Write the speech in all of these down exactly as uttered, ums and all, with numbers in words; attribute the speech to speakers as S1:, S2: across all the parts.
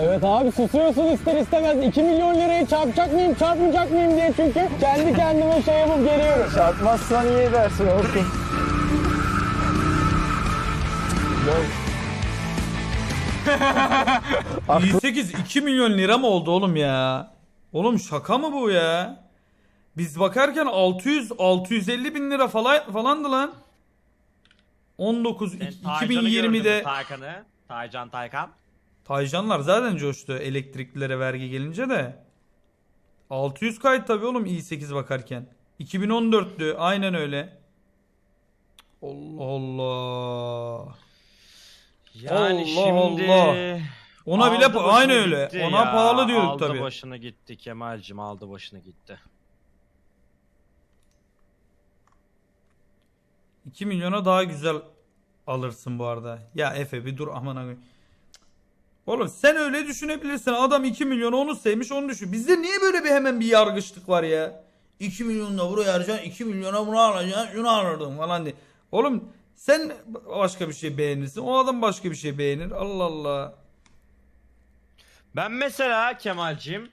S1: Evet abi susuyorsun ister istemez. iki milyon lirayı çarpacak mıyım çarpmayacak mıyım diye çünkü kendi kendime şey yapıp geliyorum. Çarpmazsan iyi edersin olsun.
S2: yirmi sekiz iki milyon lira mı oldu oğlum ya? Oğlum şaka mı bu ya? Biz bakarken altı yüz altı yüz elli bin lira falan falandı lan. on dokuz iki bin yirmide
S3: Taycan'ı, Taycan Taycan.
S2: Taycanlar zaten coştu elektriklilere vergi gelince de. altı yüz kayıt tabii oğlum i sekiz bakarken. iki bin on dörttü aynen öyle. Allah Allah.
S3: Yani
S2: Allah
S3: şimdi
S2: Allah. Ona bile
S3: aldı
S2: pa-
S3: başını
S2: aynı öyle.
S3: gitti
S2: Ona
S3: ya,
S2: pahalı diyorduk
S3: aldı
S2: tabii.
S3: başını gitti Kemal'cim, aldı başını gitti.
S2: iki milyona daha güzel alırsın bu arada. Ya Efe bir dur aman abi. Oğlum sen öyle düşünebilirsin. Adam iki milyonu onu sevmiş onu düşün. Bizde niye böyle bir hemen bir yargıçlık var ya? iki milyonla buraya harcayacaksın, iki milyona bunu alacaksın, şunu alırdın falan diye. Oğlum sen başka bir şey beğenirsin. O adam başka bir şey beğenir. Allah Allah.
S3: Ben mesela Kemal'cim.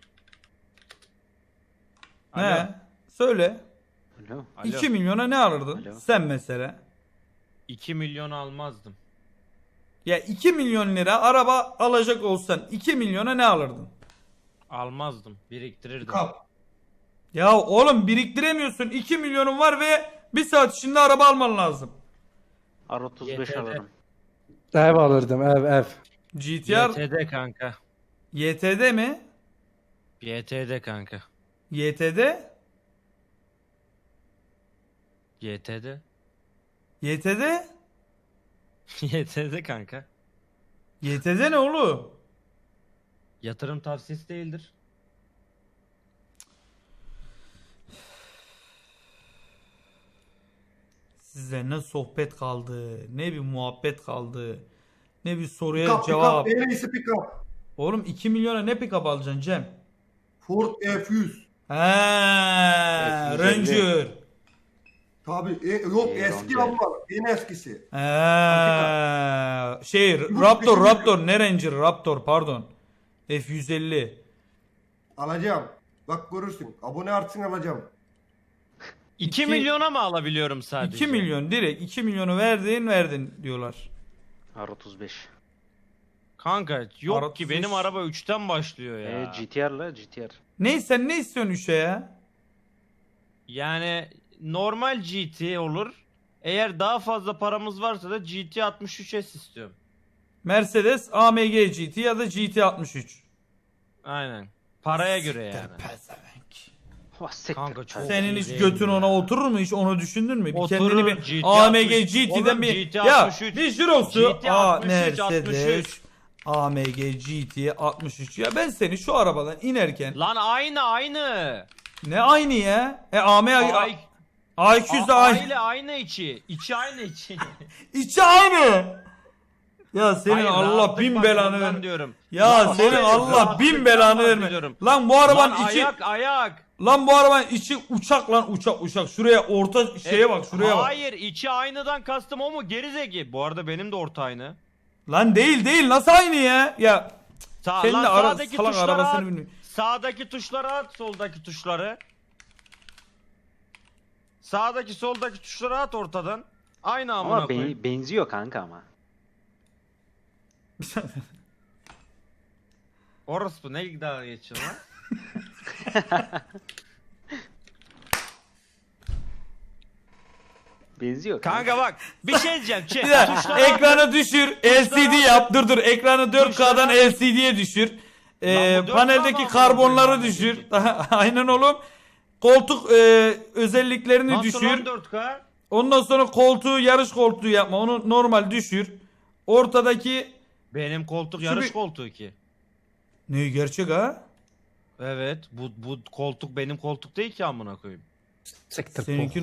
S3: Alo.
S2: Ne? Söyle.
S4: Alo.
S3: Alo.
S2: iki milyona ne alırdın?
S4: Alo.
S2: Sen mesela.
S3: iki milyon almazdım.
S2: Ya iki milyon lira araba alacak olsan iki milyona ne alırdın?
S3: Almazdım. Biriktirirdim.
S5: Kap.
S2: Ya oğlum biriktiremiyorsun. iki milyonun var ve bir saat içinde araba alman lazım.
S4: R otuz beş
S3: Y T D.
S4: alırım.
S5: Ev alırdım ev ev.
S2: G T R
S3: Y T D kanka.
S2: Y T D mi?
S3: Y T D kanka.
S2: Y T D?
S3: Y T D.
S2: Y T D?
S3: Y T D kanka.
S2: Y T D ne oğlum?
S3: Yatırım tavsiyesi değildir.
S2: Size ne sohbet kaldı, ne bir muhabbet kaldı, ne bir soruya
S6: Pick up,
S2: cevap.
S6: pick up, en iyisi pick up.
S2: Oğlum iki milyona ne pick-up alacaksın Cem?
S6: Ford F yüz.
S2: He,
S4: yüz elli.
S2: Ranger.
S6: Tabii e, yok
S4: Ee,
S6: eski
S4: Ranger.
S6: ama en eskisi.
S2: He, şey
S6: Bu
S2: Raptor,
S6: bizim-
S2: Raptor, ne Ranger, Raptor pardon. F yüz elli.
S6: Alacağım. Bak görürsün. Abone artsın alacağım.
S3: iki
S2: İki-
S3: milyona mı alabiliyorum sadece?
S2: iki milyon direkt iki milyonu verdin verdin diyorlar.
S4: R otuz beş.
S3: Kanka yok
S2: Arap
S3: ki
S2: sus.
S3: benim araba üçten başlıyor ya.
S4: E, G T R'la G T R.
S2: Ne sen ne istiyorsun üçe ya?
S3: Yani normal G T olur. Eğer daha fazla paramız varsa da G T altmış üç S istiyorum.
S2: Mercedes A M G G T ya da G T altmış üç.
S3: Aynen. Paraya göre yani.
S2: Pezevenk.
S4: Oh, siktir.
S3: Kanka çok
S2: Senin
S3: iyi
S2: hiç
S3: değil
S2: götün
S3: mi
S2: ona
S3: ya?
S2: oturur mu hiç onu düşündün mü? Bir
S3: Oturur,
S2: kendini bir
S3: G T
S2: A M G
S3: altmış
S2: G T'den
S3: Oğlum,
S2: bir
S3: G T
S2: ya
S3: altmış üç
S2: bir jirosu
S3: G T
S2: A
S3: altmış üç, altmış
S2: Mercedes
S3: üç.
S2: A M G G T altmış üç ya ben seni şu arabadan inerken
S3: Lan aynı aynı.
S2: ne aynı ya? E A M G
S3: Ay,
S2: A iki yüz de
S3: a-
S2: aynı.
S3: aile aynı içi. İçi aynı içi.
S2: İçi aynı. Ya senin
S3: Hayır,
S2: Allah
S3: rahatlık
S2: bin belanı
S3: bakımından
S2: ver.
S3: diyorum.
S2: Ya
S3: Lan
S2: senin
S3: hayır,
S2: Allah
S3: rahatlıktan
S2: bin belanı verme.
S3: bahsediyorum.
S2: Lan bu arabanın
S3: Lan
S2: içi
S3: ayak ayak.
S2: lan bu arabanın içi uçak lan uçak uçak. Şuraya orta şeye
S3: E,
S2: bak şuraya bak.
S3: Hayır içi aynıdan kastım o mu? Gerizeki. Bu arada benim de orta aynı.
S2: Lan değil değil nasıl aynı ya? Ya
S3: Sağ,
S2: senin
S3: lan
S2: de ara,
S3: sağdaki
S2: salak
S3: tuşları
S2: arabasını
S3: at.
S2: bilmiyorum.
S3: Sağdaki tuşları at, soldaki tuşları. Sağdaki soldaki tuşları at ortadan. Aynı amına
S4: Ama
S3: koyayım.
S4: ben, benziyor kanka ama.
S3: Orospu ne dalga geçiyorsun lan?
S4: Benziyor kanka.
S3: Kanka bak bir şey diyeceğim. Çek,
S2: Bir dakika,
S3: tuşları
S2: ekranı düşür. L C D yap. Dur dur. Ekranı dört K'dan
S3: Tuşlara-
S2: L C D'ye düşür. Ee,
S3: Lan bu dört K
S2: paneldeki
S3: mı
S2: karbonları
S3: amına
S2: düşür.
S3: koyayım?
S2: Aynen oğlum. Koltuk e, özelliklerini
S3: Nasıl
S2: düşür.
S3: lan dört K?
S2: Ondan sonra koltuğu yarış koltuğu yapma. Onu normal düşür. Ortadaki
S3: Benim koltuk
S2: Şu
S3: yarış
S2: bir-
S3: koltuğu ki.
S2: ne gerçek ha?
S3: Evet bu bu koltuk benim koltuk değil ki amına koyayım.
S5: Siktir
S2: Seninki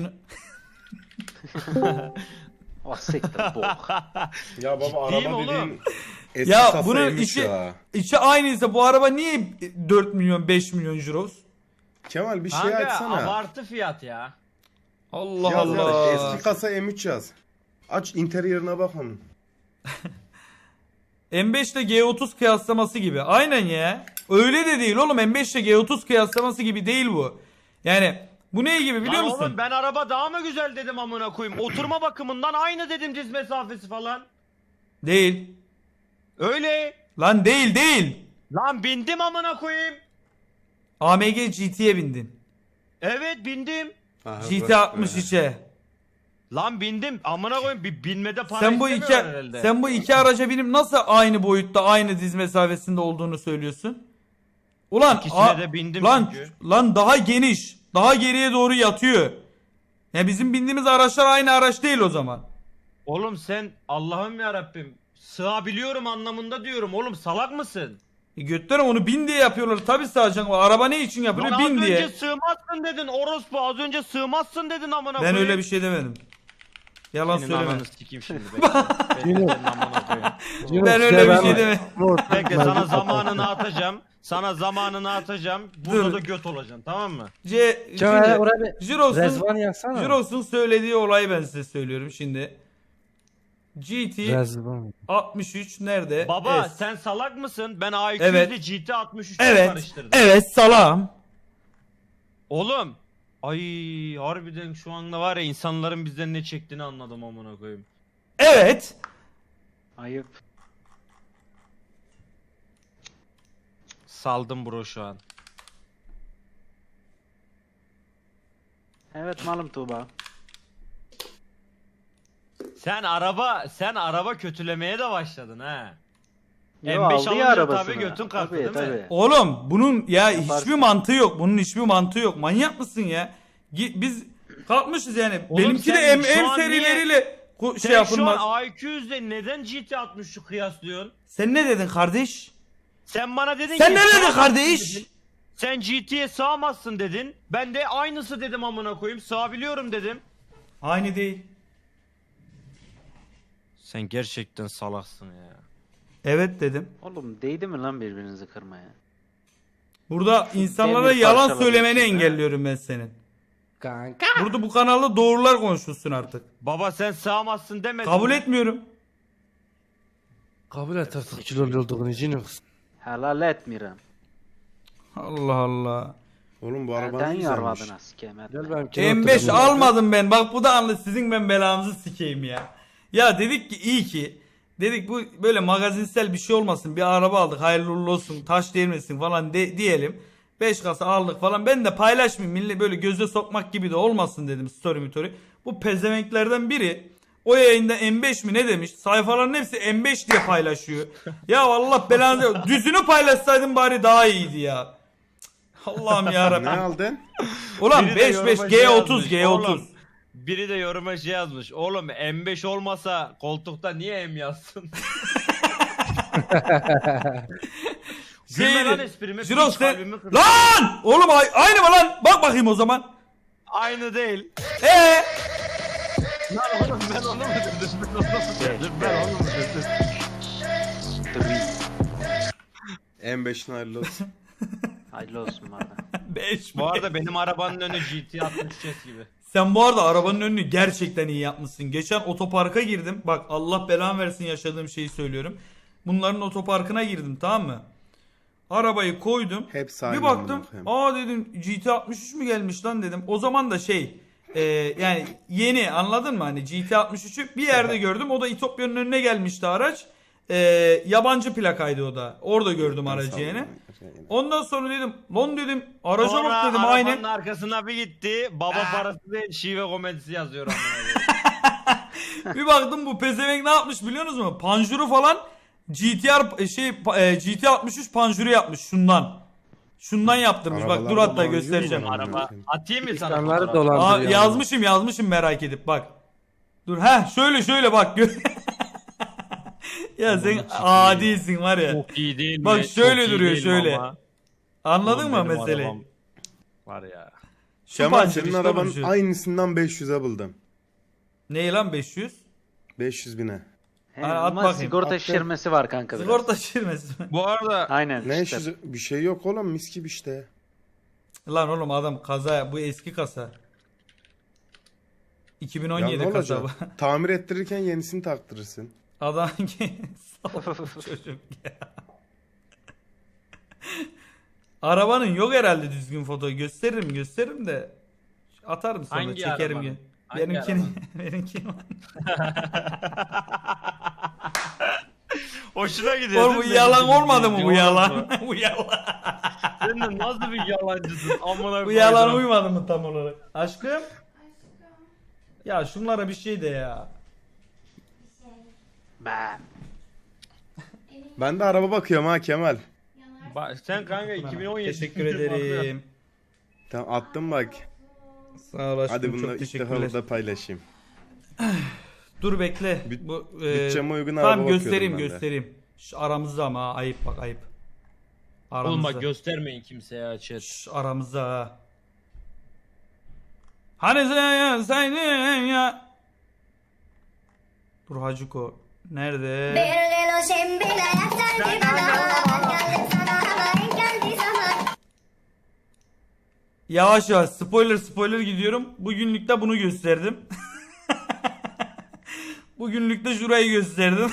S4: Oh, siktir bok.
S7: Ya baba
S3: Ciddiyim
S7: araba
S3: oğlum.
S7: dediğin eski
S2: Ya
S7: kasa
S2: bunun
S7: M üç
S2: içi
S7: ya.
S2: içi aynıysa bu araba niye dört milyon beş milyon euros?
S7: Kemal bir şey
S3: Kanka
S7: açsana.
S3: abartı fiyat ya.
S2: Allah
S7: Yaz yaz,
S2: Allah.
S7: eski kasa M üç yaz. Aç interiorına bak onun.
S2: M beş ile G otuz kıyaslaması gibi. Aynen ya. Öyle de değil oğlum. M beş ile G otuz kıyaslaması gibi değil bu. Yani bu ne gibi biliyor
S3: Lan
S2: musun?
S3: oğlum ben araba daha mı güzel dedim amına koyayım. Oturma bakımından aynı dedim, diz mesafesi falan.
S2: Değil.
S3: Öyle.
S2: Lan değil değil.
S3: Lan bindim amına koyayım.
S2: A M G G T'ye bindin.
S3: Evet bindim.
S7: Aha,
S2: G T
S7: bak
S2: altmış
S7: be.
S2: içe.
S3: Lan bindim amına koyayım, bir binmede para
S2: Sen bu iki
S3: istemiyorlar herhalde.
S2: sen bu iki araca binip nasıl aynı boyutta, aynı diz mesafesinde olduğunu söylüyorsun? Ulan
S3: İkisine
S2: a-
S3: de bindim
S2: lan
S3: çünkü.
S2: lan daha geniş, daha geriye doğru yatıyor. Ya bizim bindiğimiz araçlar aynı araç değil o zaman.
S3: Oğlum sen Allah'ım ya Rabbim sığabiliyorum anlamında diyorum. Oğlum salak mısın?
S2: E götler onu bin diye yapıyorlar. Tabii sığacak. Araba ne için yapılıyor?
S3: Lan az
S2: Bin
S3: önce
S2: diye.
S3: sığmazsın dedin orospu, az önce sığmazsın dedin amına
S2: Ben
S3: koyayım.
S2: öyle bir şey demedim. Yalan
S3: Senin
S2: söyleme.
S3: ananı sikeyim şimdi. Bekle. Ben senin amına koyayım.
S5: Yunus,
S2: Ben
S5: size
S2: öyle bir
S5: ben-
S2: şey demedim.
S5: Yunus,
S3: Bekle
S5: ben-
S3: sana zamanını atacağım. Sana zamanını atacağım. Burada
S2: Dur.
S3: da göt olacaksın, tamam mı?
S2: C
S5: Kemal
S2: şimdi
S5: oraya bir
S2: Jiros'un
S5: Rezvan yaksana.
S2: Jiros'un söylediği olayı ben size söylüyorum şimdi. G T
S5: Rezvan.
S2: altmış üç nerede?
S3: Baba
S2: S.
S3: sen salak mısın? Ben A iki
S2: Evet.
S3: yüz'de G T altmış üçü
S2: Evet.
S3: karıştırdım.
S2: Evet salam.
S3: Oğlum. Ay harbiden şu anda var ya insanların bizden ne çektiğini anladım amına koyayım.
S2: Evet.
S4: Ayıp.
S3: Saldım bro şu an.
S4: Evet malum Tuğba.
S3: Sen araba sen araba kötülemeye de başladın ha.
S4: Yo,
S3: M beş
S4: aldı ya
S3: alınca
S4: arabasını.
S3: tabii götün kalktı
S4: Tabii,
S3: değil mi?
S4: tabii.
S2: Oğlum bunun ya
S4: Yaparsın.
S2: hiçbir mantığı yok. Bunun hiçbir mantığı yok. Manyak mısın ya? Gi- Biz kalkmışız yani.
S3: Oğlum
S2: Benimki de
S3: sen
S2: M,
S3: şu
S2: M
S3: an
S2: serileriyle ku- şey
S3: Sen
S2: yapılmaz.
S3: şu an A iki yüz'de neden G T altmış üçü kıyaslıyorsun?
S2: Sen ne dedin kardeş?
S3: Sen bana dedin
S2: Sen
S3: ki
S2: ne dedin
S3: sığamazsın
S2: kardeş?
S3: dedin. Sen G T'ye sığamazsın dedin. Ben de aynısı dedim amına koyayım. Sığabiliyorum dedim.
S2: Aynı değil.
S3: Sen gerçekten salaksın ya.
S2: Evet dedim.
S4: Oğlum değdi mi lan birbirinizi kırmaya?
S2: Burada insanlara
S4: demir
S2: yalan
S4: parçaları
S2: söylemeni
S4: için, ha?
S2: engelliyorum ben senin.
S5: Kanka.
S2: Burada bu kanalda doğrular konuşulsun artık.
S3: Baba sen sığamazsın demedin.
S2: Kabul
S3: mi?
S2: etmiyorum.
S5: Kabul et artık kilolu olduğunu Yunus.
S4: Helal etmiyorum.
S2: Allah Allah.
S7: Oğlum bu araba
S4: Neden
S7: güzelmiş.
S4: yarvadın sikemet?
S5: Gel benim kilo
S2: M beş
S5: oturduğum-
S2: almadım ben. Bak bu da anlı sizin ben belanızı sikeyim ya. Ya dedik ki iyi ki. Dedik bu böyle magazinsel bir şey olmasın. Bir araba aldık hayırlı uğurlu olsun. Taş değmesin falan de, diyelim. beş kasa aldık falan. Ben de paylaşmayayım. Millet böyle göze sokmak gibi de olmasın dedim story mitori. Bu pezevenklerden biri o yayında M beş mi ne demiş? Sayfaların hepsi M beş diye paylaşıyor. Ya Allah belanı düzünü paylaşsaydın bari daha iyiydi ya. Allah'ım
S7: Ne
S2: yarabbim.
S7: aldın?
S2: Ulan
S3: Biri de
S2: beş beş
S3: yoruma
S2: G
S3: şey
S2: otuz
S3: yazmış,
S2: G otuz.
S3: oğlum. Biri de yoruma şey yazmış. Oğlum M beş olmasa koltukta niye M yazsın? Gülme lan esprime.
S2: Jiros
S3: piç
S2: sen...
S3: kalbimi kırdın.
S2: Lan! Oğlum ay- aynı mı lan? Bak bakayım o zaman.
S3: Aynı değil.
S2: Ee?
S3: Lan oğlum ben onu mu dedim? Ben onu mu dedim? Ben onu mu dedim?
S7: M beşin hayırlı olsun.
S4: Hayırlı olsun bana.
S2: beş
S3: Bu arada benim arabanın önü G T altmış üç gibi.
S2: Sen bu arada arabanın önünü gerçekten iyi yapmışsın. Geçen otoparka girdim. Bak Allah belamı versin yaşadığım şeyi söylüyorum. Bunların otoparkına girdim tamam mı? Arabayı koydum.
S7: Hepsi
S2: Bir
S7: aynı
S2: baktım.
S7: amına koyayım.
S2: Aa dedim G T altmış üç mü gelmiş lan dedim. O zaman da şey e, yani yeni anladın mı hani G T altmış üçü bir yerde gördüm. O da İtopya'nın önüne gelmişti araç. E, yabancı plakaydı o da. Orada gördüm aracı yani. Ondan sonra dedim lan dedim araca
S3: Sonra
S2: bak dedim
S3: arabanın
S2: aynı.
S3: arkasına bir gitti. Baba parası değil şive komedisi yazıyor amına koyayım.
S2: Bir baktım bu pezevenk ne yapmış biliyor musunuz? Panjuru falan G T R şey e, G T altmış üç panjuru yapmış şundan. Şundan yaptırmış. Bak dur
S7: Arabalarda
S2: hatta
S7: panjur mu
S2: göstereceğim.
S7: var?
S3: Araba atayım mı sana
S5: İnsanları
S3: fotoğraf?
S2: Aa,
S5: dolandırıyor.
S2: yazmışım yazmışım merak edip bak. Dur ha şöyle şöyle bak. gö- ya sen adisin var ya.
S3: Çok iyi değil mi?
S2: Bak şöyle
S3: Çok iyi
S2: duruyor,
S3: değil mi
S2: şöyle.
S3: ama?
S2: Anladın
S3: Oğlum
S2: mı
S3: benim
S2: meseleyi?
S3: arabam Var ya.
S2: Şu
S7: Kemal
S2: panjur
S7: senin
S2: işte
S7: arabanın
S2: oğlum şu.
S7: aynısından beş yüze buldum.
S2: Ne lan beş yüz?
S7: beş yüz bine.
S4: He,
S2: Hadi at
S4: ama
S2: bakayım.
S4: sigorta
S2: At.
S4: şişirmesi var kanka biraz.
S2: Sigorta şirmesi mi?
S3: Bu arada
S4: Aynen
S7: Ne
S4: işte.
S7: işte. Bir şey yok oğlum mis gibi işte.
S2: Lan oğlum adam kaza bu eski kasa. iki bin on
S7: Ya
S2: yedi
S7: ne
S2: kasa
S7: olacak?
S2: bu.
S7: Tamir ettirirken yenisini taktırırsın.
S2: Adam ki salak çocuk ya. Arabanın yok herhalde düzgün foto. Gösteririm gösteririm de atarım sonra
S3: Hangi
S2: çekerim.
S3: arabanın?
S2: Gö-
S3: Hangi
S2: Benimkini
S3: arabanın?
S2: benimkini.
S3: Hoşuna gidiyor
S2: Oğlum bu
S3: değil mi?
S2: yalan olmadı mı bu
S3: Olmaz
S2: yalan?
S3: mı?
S2: Bu yalan.
S3: Sen de nasıl bir yalancısın? Amına
S2: Bu yalan
S3: koydum.
S2: uymadı mı tam olarak? Aşkım? Ya şunlara bir şey de ya.
S4: Bah.
S7: Ben de araba bakıyorum ha Kemal.
S3: Bak, sen kanka iki bin on yedi
S2: Teşekkür ederim.
S7: Tamam attım bak.
S2: Sağ ol aşkım,
S7: Hadi bunu
S2: çok
S7: ilk defa
S2: teşekkürler.
S7: burada paylaşayım.
S2: Dur bekle.
S7: Büt-
S2: Bu,
S7: bütçeme uygun araba
S2: tamam
S7: bakıyorum
S2: göstereyim
S7: ben de.
S2: göstereyim. Şu aramızda ama ha, ayıp bak ayıp. Aramızda.
S3: Oğlum bak göstermeyin kimseye açır.
S2: Şş, aramızda ha. Hani sen ya sen ya. Dur Hacıko. Nerede? Yavaş yavaş spoiler spoiler gidiyorum. Bugünlük de bunu gösterdim. Bugünlük de şurayı gösterdim.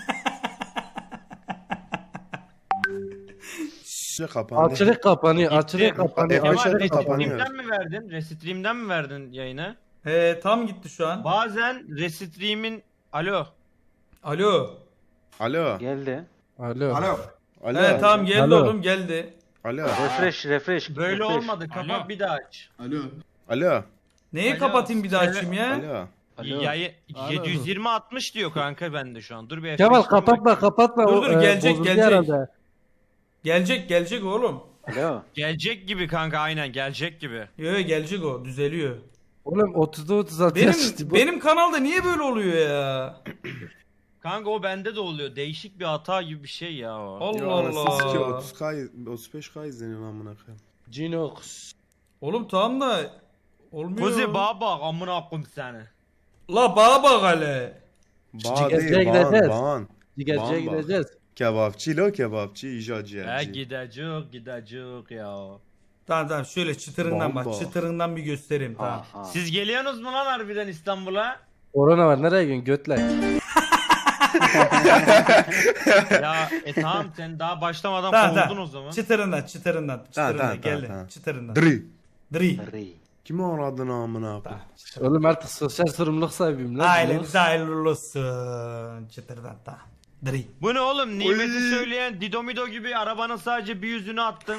S7: Şey kapandı.
S5: Açılık kapanıyor, açılık kapanıyor,
S7: Kemal,
S5: açılık
S7: Kemal,
S5: kapanıyor.
S7: kapanıyor.
S3: Restream'den mi verdin? Restream'den mi verdin yayına?
S2: He tam gitti şu an.
S3: Bazen Restream'in... Alo.
S2: Alo.
S7: Alo.
S4: Geldi.
S5: Alo.
S6: Alo.
S7: Alo.
S2: He tamam geldi
S5: Alo.
S2: oğlum geldi.
S7: Alo.
S4: Refresh, refresh.
S3: Böyle
S4: refresh.
S3: olmadı. Kapat bir daha aç.
S7: Alo.
S2: Neyi
S3: Alo,
S2: kapatayım bir daha
S3: söyle.
S2: açayım ya?
S7: Alo.
S4: Alo.
S3: Yayı
S5: Alo.
S3: yedi yüz yirmi altmış diyor kanka bende şu an. Dur bir
S5: Kemal
S3: F beş'ten
S5: kapatma
S3: bakayım.
S5: kapatma.
S2: Dur,
S5: o,
S2: dur,
S5: e,
S2: gelecek,
S5: bozuldu
S2: gelecek.
S5: herhalde.
S2: Gelecek gelecek oğlum.
S4: Alo.
S3: Gelecek gibi kanka aynen gelecek gibi.
S2: Yo yo gelecek o düzeliyor.
S5: Oğlum otuzda otuz altı
S2: Benim
S5: yaşlı bu.
S2: benim kanalda niye böyle oluyor ya?
S3: Kanka o bende de oluyor. Değişik bir hata gibi bir şey ya o.
S2: Allah
S7: Ya anasını sikeyim,
S2: Allah.
S7: otuz K otuz beş K izleniyor lan amına koyayım.
S5: Cinox.
S2: Oğlum tamam da olmuyor.
S3: Kuzi bana bak amına koyayım seni.
S2: La bana bak hele.
S7: Bağ
S5: Cigazlığa
S7: değil, bağın,
S5: gideceğiz.
S7: bağın.
S5: Digerciye
S7: Bamba.
S5: gideceğiz.
S7: Kebapçı lo kebapçı, icacı
S3: He
S7: yerci.
S3: gidecek gidecek ya.
S2: Tamam tamam şöyle çıtırından bak.
S7: Bomba.
S2: Çıtırından bir göstereyim tamam.
S4: Aha.
S3: Siz geliyorsunuz mu lan harbiden İstanbul'a?
S5: Korona var nereye gidiyorsun götlek?
S3: Ya e tamam sen daha başlamadan
S2: Tamam
S3: kovuldun
S2: tamam.
S3: o zaman.
S2: Çıtırından çıtırından. Çıtırından
S7: tamam,
S2: geldi.
S7: tamam.
S2: Çıtırından.
S7: Dri.
S2: Dri.
S4: Ri.
S7: Kimi aradın amına koyayım?
S5: Oğlum artık sosyal sorumluluk sahibiyim lan.
S2: Ailemize hayırlı olsun. Çıtırdan tamam. Dri.
S3: Bu ne oğlum nimeti
S7: Oy.
S3: söyleyen Didomido gibi arabanın sadece bir yüzünü attın.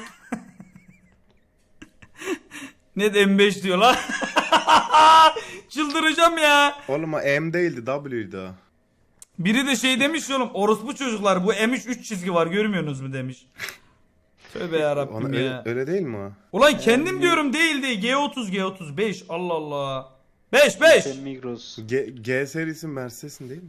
S2: Ne de M beş diyor lan. Çıldıracağım ya.
S7: Oğlum o M değildi W'ydi o.
S2: Biri de şey demiş ya oğlum orospu çocuklar bu M üç üç çizgi var görmüyorsunuz mu demiş. Tövbe yarabbim
S7: Ona
S2: ya.
S7: öyle, öyle değil mi o?
S2: Ulan kendim diyorum değil değil. G otuz G otuz beş Allah Allah. beş beş.
S4: Sen Migros.
S7: G, G serisi Mercedes'in değil mi?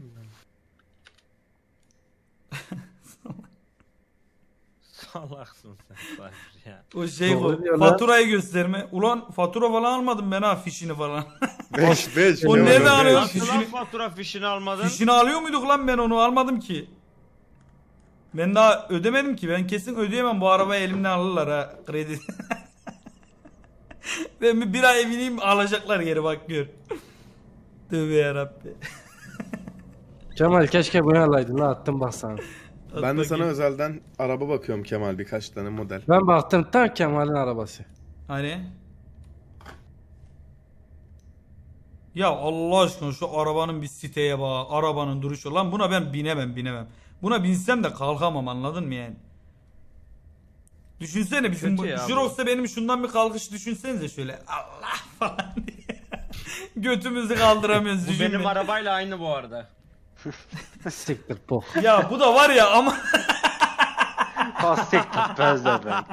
S3: Salaksın sen Cypher ya.
S2: O şey
S5: Doğru
S2: bu.
S5: diyor lan.
S2: Faturayı gösterme. Ulan fatura falan almadım ben ha fişini falan.
S7: beş beş.
S2: O
S7: ne
S2: nereden
S7: oluyor?
S2: alıyor?
S3: Nasıl lan
S2: Fişini-
S3: fatura fişini almadın?
S2: Fişini alıyor muyduk lan ben onu almadım ki. Ben daha ödemedim ki. Ben kesin ödeyemem bu arabayı elimden alırlar ha kredi. Ben bir, bir ay bineyim alacaklar geri bak gör. Tövbe yarabbi.
S5: Kemal keşke bunu alaydın lan attım bak sana.
S7: Ben de sana özelden araba bakıyorum Kemal birkaç tane model.
S5: Ben baktım tam Kemal'in arabası.
S2: Hani? Ya Allah aşkına şu arabanın bir siteye bak. Arabanın duruşu. Lan buna ben binemem binemem. Buna binsem de kalkamam anladın mı yani? Düşünsene bizim bu
S3: Kötü ya bu.
S2: Jurox'ta benim şundan bir kalkış düşünsenize şöyle. Allah falan diye. Götümüzü kaldıramıyoruz.
S3: Bu
S2: düşünme.
S3: benim arabayla aynı bu arada.
S5: Siktir bok.
S2: Ya bu da var ya ama
S4: Pastek tutmaz da ben.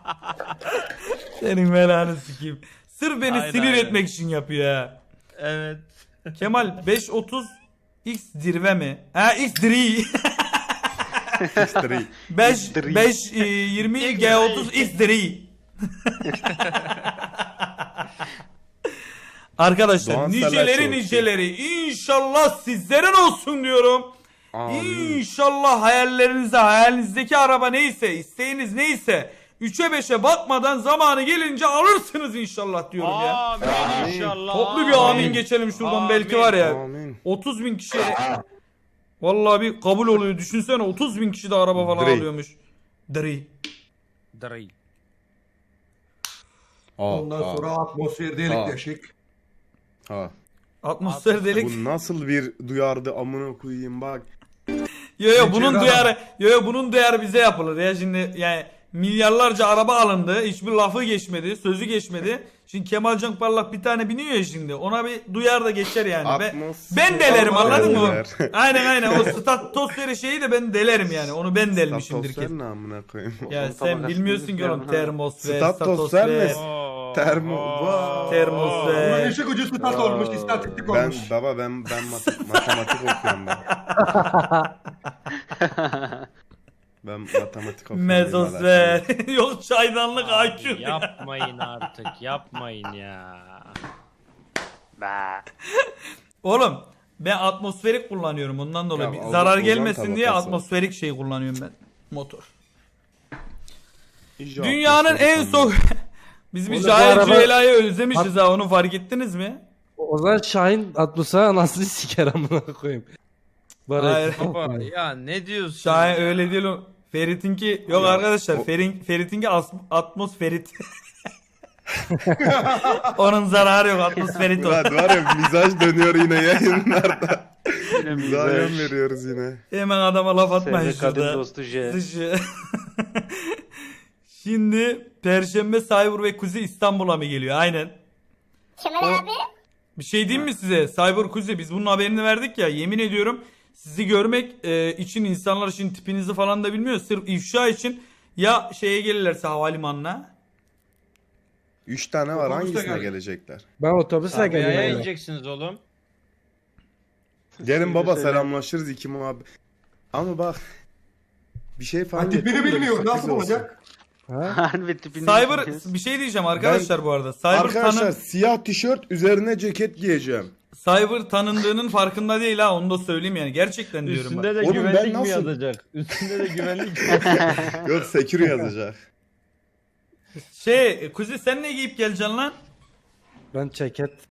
S2: senin belanı sikeyim. Sırf beni
S3: Aynen,
S2: sinir
S3: aynen.
S2: etmek için yapıyor ha.
S3: Evet.
S2: Kemal beş otuz X dirve mi? Ha X diri.
S7: X-Three.
S2: beş
S4: Diri.
S2: beş yirmi G otuz X diri. Arkadaşlar
S7: Doğan
S2: niceleri
S7: Selaçoğlu.
S2: niceleri inşallah sizlerin olsun diyorum.
S7: Amin.
S2: İnşallah hayallerinize hayalinizdeki araba neyse isteğiniz neyse üçe beşe bakmadan zamanı gelince alırsınız inşallah diyorum ya.
S3: Amin inşallah.
S2: Toplu bir amin geçelim şuradan belki var ya.
S7: Amin.
S2: otuz bin kişi Vallahi bir kabul oluyor. Düşünsene otuz bin kişi de araba falan
S7: Dre.
S2: alıyormuş. Dre.
S3: Dre.
S7: Aa,
S6: Ondan
S7: aa,
S6: sonra atmosfer delik
S7: Aa.
S6: deşik.
S7: aa.
S2: Atmosfer delik.
S7: Bu nasıl bir duyardı amına koyayım bak.
S2: Yo yo
S6: Geçer
S2: bunun
S6: adam.
S2: duyarı yo yo bunun duyarı bize yapılır ya şimdi yani milyarlarca araba alındı. Hiçbir lafı geçmedi, sözü geçmedi. Şimdi Kemal Can Parlak bir tane biniyor ya şimdi. Ona bir duyar da geçer yani. Ben,
S7: Atmosfer
S2: ben delerim anladın mı?
S7: deler.
S2: Aynen aynen o statosferi şeyi de ben delerim yani. Onu ben delmişimdir
S7: Statosfer
S2: ki.
S7: ne amına koyayım?
S2: Ya
S4: Onun
S2: sen
S4: tabakasını
S2: bilmiyorsun ki oğlum
S4: üstüne
S2: termosfer,
S7: Statosfer mi?
S2: statosfer.
S7: Termo.
S3: Oo.
S7: Vay.
S2: Termosfer.
S6: Bunun işi gücü stat olmuş, istatistik
S7: Ben
S6: olmuş.
S7: baba ben ben mat- matematik okuyorum ben. Ben matematik okuyorum.
S2: Mezosfer. Yok çaydanlık
S3: Abi
S2: I Q.
S3: yapmayın artık yapmayın ya.
S4: Be.
S2: Oğlum ben atmosferik kullanıyorum ondan dolayı.
S7: Ya,
S2: Bir
S7: ozon-
S2: zarar
S7: ozon
S2: gelmesin diye
S7: tabakası.
S2: atmosferik şey kullanıyorum ben. Motor.
S7: İyice
S2: Dünyanın
S7: atmosfer
S2: en soğuk...
S7: sandım.
S2: Biz bir
S5: Oğlum bu
S2: Şahin
S5: araba-
S2: Cüela'yı özlemişiz ha onu fark ettiniz mi?
S5: O zaman Şahin atmosfer anasını siker amına koyayım. Bari
S2: Hayır.
S3: Baba ya ne diyorsun?
S2: Şahin
S3: ya?
S2: öyle değil o. Ferit'inki yok
S7: Ya,
S2: arkadaşlar.
S7: o-
S2: Ferin, Ferit'inki as- atmosferit. Onun zararı yok atmosferit o.
S7: Murat var ya mizaj dönüyor yine yayınlarda.
S4: Yine
S7: Mizaja
S4: mizaj.
S7: veriyoruz yine.
S2: Hemen adama laf atmayın
S4: Sevde kadın
S2: şurada.
S4: dostu J.
S2: Dışı. Şimdi Perşembe Cyber ve Kuzi İstanbul'a mı geliyor? Aynen.
S8: Kemal
S2: O-
S8: abi.
S2: Bir şey diyeyim mi size? Cyber Kuzi biz bunun haberini verdik ya. Yemin ediyorum sizi görmek e, için insanlar için tipinizi falan da bilmiyor. Sırf ifşa için ya şeye gelirlerse havalimanına.
S7: Üç tane var
S6: Otobüste
S7: hangisine
S6: gel.
S7: gelecekler?
S5: Ben otobüsle
S3: Sabiha'ya
S5: geliyorum.
S3: ineceksiniz oğlum.
S7: Gelin baba
S4: Söyle.
S7: selamlaşırız iki muhabbet. Ama bak bir şey falan
S6: Ha, tipini
S7: getirdim de
S6: bilmiyor,
S7: sürpriz
S6: nasıl
S7: olsun.
S6: olacak?
S5: Ha?
S4: Harbi tipini
S2: Cyber
S4: bilmiyoruz.
S2: bir şey diyeceğim arkadaşlar bu arada. Cyber
S7: Arkadaşlar
S2: tanın
S7: siyah tişört üzerine ceket giyeceğim.
S2: Cyber tanındığının farkında değil ha onu da söyleyeyim yani. Gerçekten diyorum bak.
S3: Üstünde de
S7: Oğlum ben
S3: güvenlik mi
S7: nasıl-
S3: yazacak? Üstünde de güvenlik.
S7: Yok secure yazacak.
S2: Şey Kuzi sen ne giyip geleceksin lan?
S5: Ben ceket